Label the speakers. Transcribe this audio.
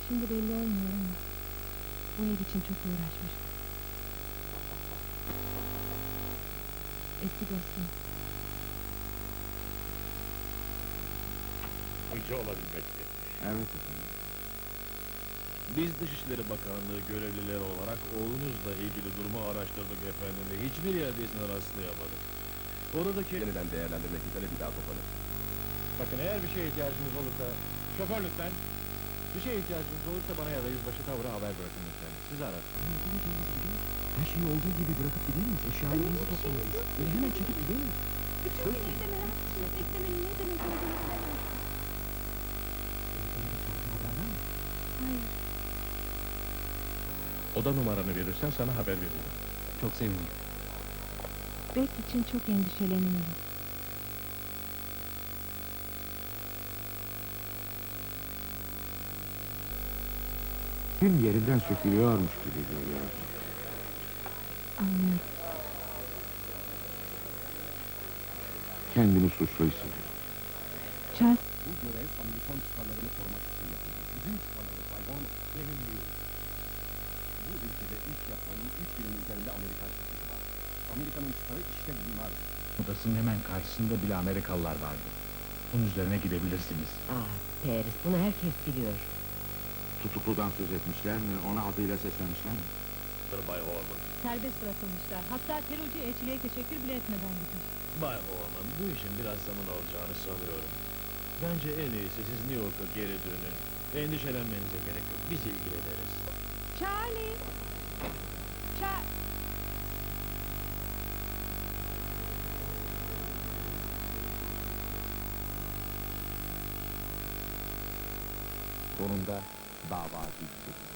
Speaker 1: Şimdi belli olmuyor ama bu ev için çok uğraşmıştı. Eski dostum.
Speaker 2: Önce olabilmek için.
Speaker 3: Evet efendim.
Speaker 4: Biz Dışişleri Bakanlığı görevlileri olarak oğlunuzla ilgili durumu araştırdık efendim ve hiçbir yerde izine rastlayamadık. Oradaki...
Speaker 3: Yeniden değerlendirmek üzere bir daha toplanır.
Speaker 4: Bakın eğer bir şeye ihtiyacınız olursa... Şoför lütfen! Bir şeye ihtiyacınız olursa bana ya da yüzbaşı Tavır'a haber bırakın lütfen. Sizi arar.
Speaker 3: Her şeyi olduğu gibi bırakıp gider miyiz? Eşyalarımızı toplamalıyız. Böyle hemen çekip gider miyiz?
Speaker 1: Bütün gün evde merak etmek beklemenin ne demek olduğunu bilemem. Hayır.
Speaker 4: Oda numaranı verirsen sana haber veririm.
Speaker 3: Çok sevinirim.
Speaker 1: Beth için çok endişeleniyorum.
Speaker 3: Gün yerinden sökülüyormuş gibi geliyor.
Speaker 1: Anlıyorum.
Speaker 3: Kendini suçlu hissediyor.
Speaker 1: Charles,
Speaker 3: Bu görev Amerikan çıkarlarını korumak için yapıldı. Bizim çıkarlarımız Bay Horn benim değil. Bu ülkede iş yapmanın 3 binin üzerinde Amerikan şirketi var. Amerika'nın çıkarı işte bunlar.
Speaker 5: Odasının hemen karşısında bile Amerikalılar vardı. Bunun üzerine gidebilirsiniz.
Speaker 6: Paris, bunu herkes biliyor.
Speaker 3: Tutukludan söz etmişler mi? Ona adıyla seslenmişler mi?
Speaker 4: Bay Horman.
Speaker 7: Serbest bırakılmışlar. Hatta terörcü elçiliğe teşekkür bile etmeden gitmiş.
Speaker 4: Bay Horman, bu işin biraz zaman alacağını sanıyorum. Bence en iyisi siz New York'a geri dönün. Endişelenmenize gerek yok. Biz ilgileniriz.
Speaker 7: Charlie!
Speaker 3: Sonunda dava bitti.